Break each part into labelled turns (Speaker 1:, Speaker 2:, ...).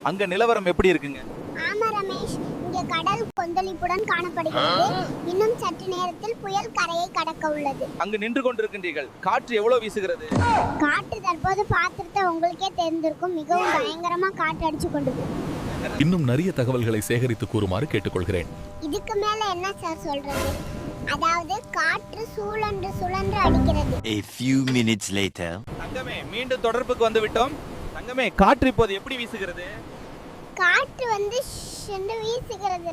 Speaker 1: அங்க நிலவரம் எப்படி இருக்குங்க?
Speaker 2: ஆமா ரமேஷ், இங்க கடல் கொந்தளிப்புடன் காணப்படுகிறது. இன்னும் சற்று நேரத்தில் புயல் கரையை கடக்க உள்ளது.
Speaker 1: அங்கு நின்று கொண்டிருக்கின்றீர்கள். காற்று எவ்வளவு வீசுகிறது?
Speaker 2: காற்று தற்போது பாத்திரத்தை உங்களுக்கே தெரிந்திருக்கும், மிகவும் பயங்கரமா காற்று அடிச்சு கொண்டது.
Speaker 3: இன்னும் நிறைய தகவல்களை சேகரித்து கூறுமாறு கேட்டுக்கொள்கிறேன்.
Speaker 2: இதுக்கு மேல என்ன சார் சொல்றது? அதாவது காற்று சுழன்று சுழன்று அடிக்கிறது.
Speaker 4: A few minutes later.
Speaker 1: தங்கமே, மீண்டும் தொடர்புக்கு வந்து விட்டோம். தங்கமே, காற்று இப்போது எப்படி வீசுகிறது?
Speaker 2: காற்று வந்து ஷெண்டு வீசுகிறது.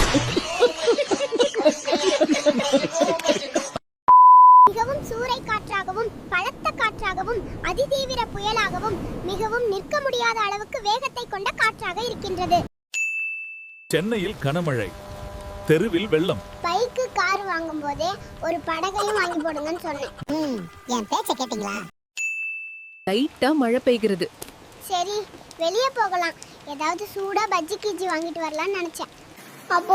Speaker 2: மிகவும் சூறை காற்றாகவும் பலத்த காற்றாகவும் அதிதீவிர புயலாகவும் மிகவும் நிற்க முடியாத அளவுக்கு வேகத்தை கொண்ட காற்றாக இருக்கின்றது.
Speaker 3: சென்னையில் கனமழை, தெருவில் வெள்ளம்.
Speaker 2: பைக்கு கார் வாங்கும் போதே ஒரு படகையும் வாங்கி போடுங்கன்னு சொன்னேன். என் பேச்ச கேட்டீங்களா?
Speaker 5: லைட்டா மழை பெய்கிறது.
Speaker 2: சரி, வெளியே போகலாம். ஏதாவது சூடா பஜ்ஜி கிஜி வாங்கிட்டு வரலாம்னு நினைச்சேன். அப்போ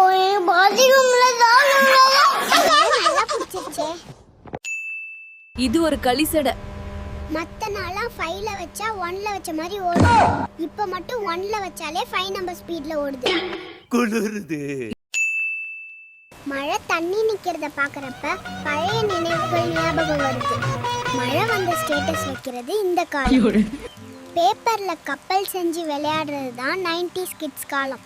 Speaker 2: நல்லா பிடிச்சிருச்சே.
Speaker 5: இது ஒரு களிசடை.
Speaker 2: மத்த நாளா 5ல வச்சா 1ல வச்ச மாதிரி ஓடும். இப்ப மட்டும் 1ல வச்சாலே 5 நம்பர் ஸ்பீட்ல ஓடுது.
Speaker 4: குளிருது.
Speaker 2: மழை தண்ணி நிக்கிறத பாக்குறப்ப பழைய நினைவுகள் ஞாபகம் வருது. மழை வந்த ஸ்டேட்டஸ் வைக்கிறது இந்த காலம். பேப்பர்ல கப்பல் செஞ்சு விளையாடுறது தான் 90s கிட்ஸ் காலம்.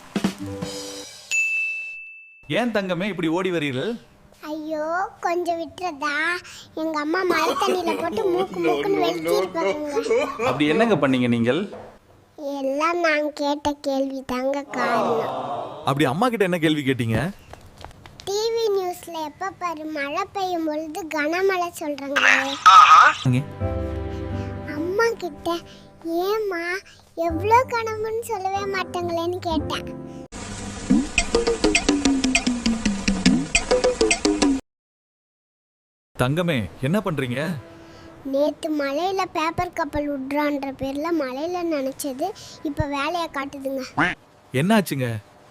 Speaker 1: ஏன் தங்கமே இப்படி ஓடி வரீர்கள்?
Speaker 2: ஐயோ, கொஞ்சம் விட்டுறதா? எங்க அம்மா மழை தண்ணியில போட்டு மூக்கு மூக்குன்னு வெட்டி இருப்பாங்க.
Speaker 1: அப்படி என்னங்க பண்ணீங்க நீங்கள்?
Speaker 2: எல்லாம் நான் கேட்ட கேள்வி தாங்க காரணம்.
Speaker 3: அப்படி அம்மா கிட்ட என்ன கேள்வி கேட்டீங்க?
Speaker 2: டிவி நியூஸ்ல எப்ப பாரு மழை பெய்யும் பொழுது கனமழை சொல்றாங்க. அம்மா கிட்ட ஏமா எவ்வளோ கனவுன்னு சொல்லவே மாட்டாங்களேன்னு கேட்டேன்.
Speaker 3: தங்கமே, என்ன பண்றீங்க?
Speaker 2: நேத்து மலையில பேப்பர் கப்பல் விட்றான்ற பேர்ல மலையில நினைச்சது இப்ப வேலையை காட்டுதுங்க.
Speaker 3: என்னாச்சுங்க?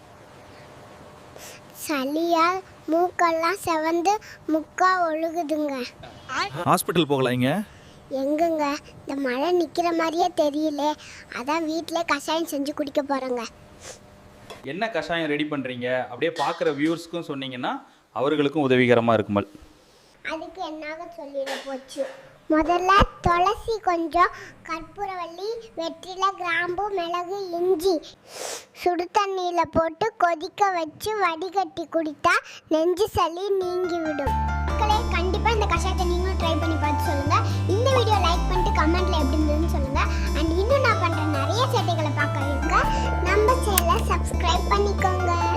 Speaker 2: சளியால் மூக்கெல்லாம் செவந்து முக்கா ஒழுகுதுங்க.
Speaker 3: ஹாஸ்பிட்டல் போகலாங்க?
Speaker 2: எங்கங்க, இந்த மழை நிக்கிற மாதிரியே தெரியல. அதான் வீட்டிலே கஷாயம் செஞ்சு குடிக்க போறேங்க.
Speaker 1: என்ன கஷாயம் ரெடி பண்றீங்க? அப்படியே பார்க்குற வியூவர்ஸ்க்கும் சொன்னீங்கன்னா அவர்களுக்கும் உதவிகரமா இருக்குமல்.
Speaker 2: அதுக்கு என்னாக சொல்லிட போச்சு. முதல்ல துளசி கொஞ்சம், கற்பூரவள்ளி, வெற்றிலை, கிராம்பு, மிளகு, இஞ்சி சுடு தண்ணியில் போட்டு கொதிக்க வச்சு வடிகட்டி குடித்தா நெஞ்சு சளி நீங்கிவிடும். மக்களே, கண்டிப்பாக இந்த கஷாயத்தை நீங்களும் ட்ரை பண்ணி பார்த்து சொல்லுங்கள். இந்த வீடியோ லைக் பண்ணிட்டு கமெண்ட்டில் எப்படி இருந்ததுன்னு சொல்லுங்கள். அண்ட் இன்னும் நான் பண்ணுற நிறைய சேட்டைகளை பார்க்க இருக்க நம்ம சேனலை சப்ஸ்கிரைப் பண்ணிக்கோங்க.